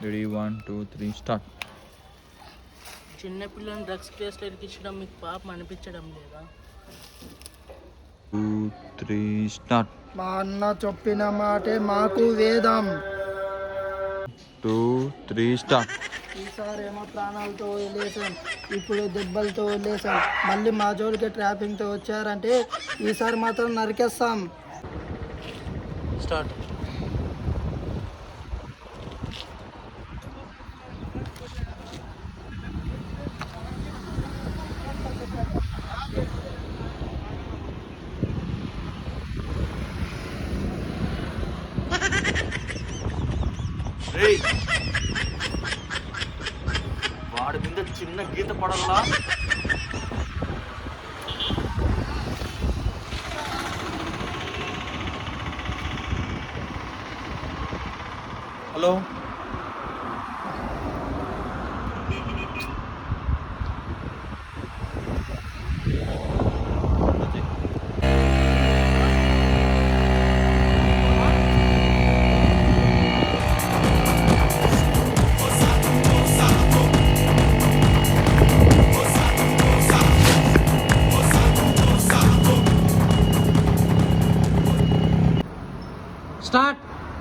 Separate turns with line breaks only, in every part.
Ready 1 2 3 start.
చిన్నపిల్లని drugs కేసులో ఇరికించడం మీకు పాపం అనిపించడం లేదా?
2 3 స్టార్ట్.
మా అన్న చెప్పిన మాటే మాకు వేదం.
2 3 స్టార్ట్.
ఈసారి ఏమో ప్రాణాలతో వదిలేసాం, ఇప్పుడు దెబ్బలతో వదిలేసాం. మళ్ళీ మా జోలికి ట్రాపింగ్తో వచ్చారంటే ఈసారి మాత్రం నరికేస్తాం.
స్టార్ట్.
వాడి మీద చిన్న గీత పడల్లా. Hello,
start.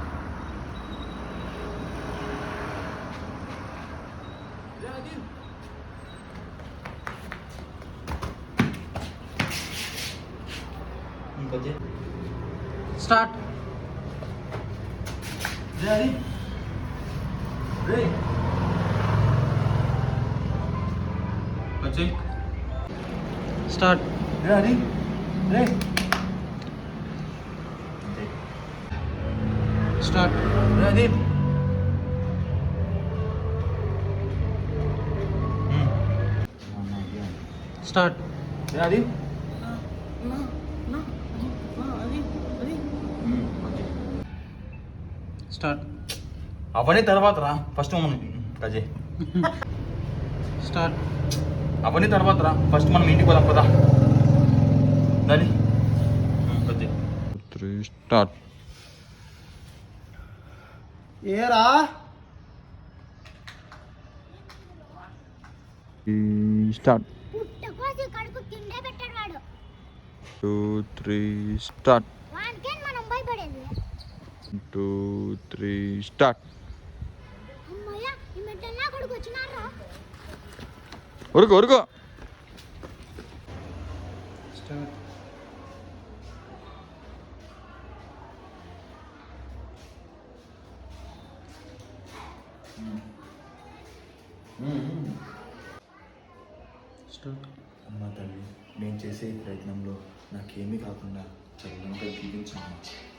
Start. Start. Start. Start. Start.
అవన్నీ తర్వాత రా, ఫస్ట్ మనం కజే.
స్టార్ట్.
అవన్నీ తర్వాత రా, ఫస్ట్ మనం ఇంటికి పోదాం పదా. దాని కజే.
3 స్టార్ట్.
ఏరా
స్టార్ట్.
పుట్టకోసి కడుపు తిండే పెట్టాడు వాడు.
2 3 స్టార్ట్.
వానికే మనం భయపడేది.
2 3 స్టార్ట్.
అమ్మయ్య, ఈ మెట్టన్నా కొడుకు వచ్చినారా?
ఉరుకు ఉరుకు.
స్టార్ట్. స్టార్ట్.
అమ్మ తల్లి, నేను చేసే ఈ ప్రయత్నంలో నాకేమీ కాకుండా చల్లంగా దీవించమ్మా.